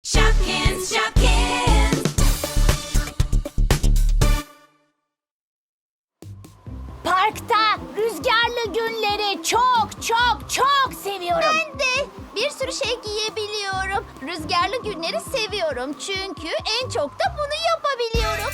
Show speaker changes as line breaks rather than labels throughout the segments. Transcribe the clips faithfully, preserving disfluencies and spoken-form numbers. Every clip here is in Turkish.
Shopkins, Shopkins.
Parkta rüzgarlı günleri çok çok çok seviyorum.
Ben de bir sürü şey giyebiliyorum. Rüzgarlı günleri seviyorum çünkü en çok da bunu yapabiliyorum.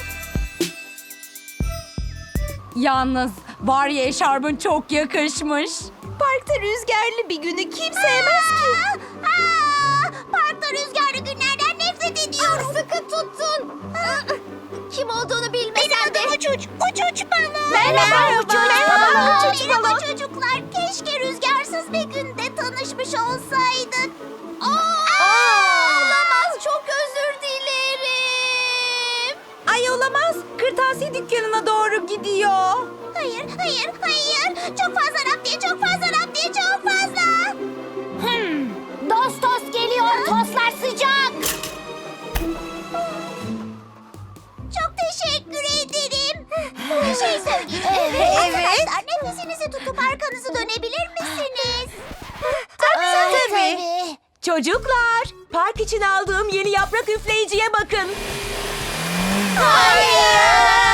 Yalnız var ya eşarbın çok yakışmış.
Parkta rüzgarlı bir günü kim sevmez ki?
Aa, parkta rüzgarlı günlerden nefret ediyorum. Sıkı tutun. Kim olduğunu bilmesen de. Benim adım Uçuç. Uçuç balon.
Merhaba Uçuç
Merhaba
balon.
Uçuç balon. Çocuklar, keşke rüzgarsız bir günde tanışmış olsaydık. Aa, olamaz, çok özür dilerim.
Ay olamaz. Kırtasiye dükkanına doğru gidiyor.
Hayır, hayır, hayır. Çok fazla raptiye, çok fazla raptiye, çok fazla.
Hmm, Dost tost geliyor, tostlar sıcak.
Çok teşekkür ederim. Bir şey söyleyeceğim.
Evet.
Arkadaşlar, nefesinizi tutup arkanızı dönebilir misiniz?
Tabii tabii.
Tabii.
Çocuklar, park için aldığım yeni yaprak üfleyiciye bakın.
Hayır.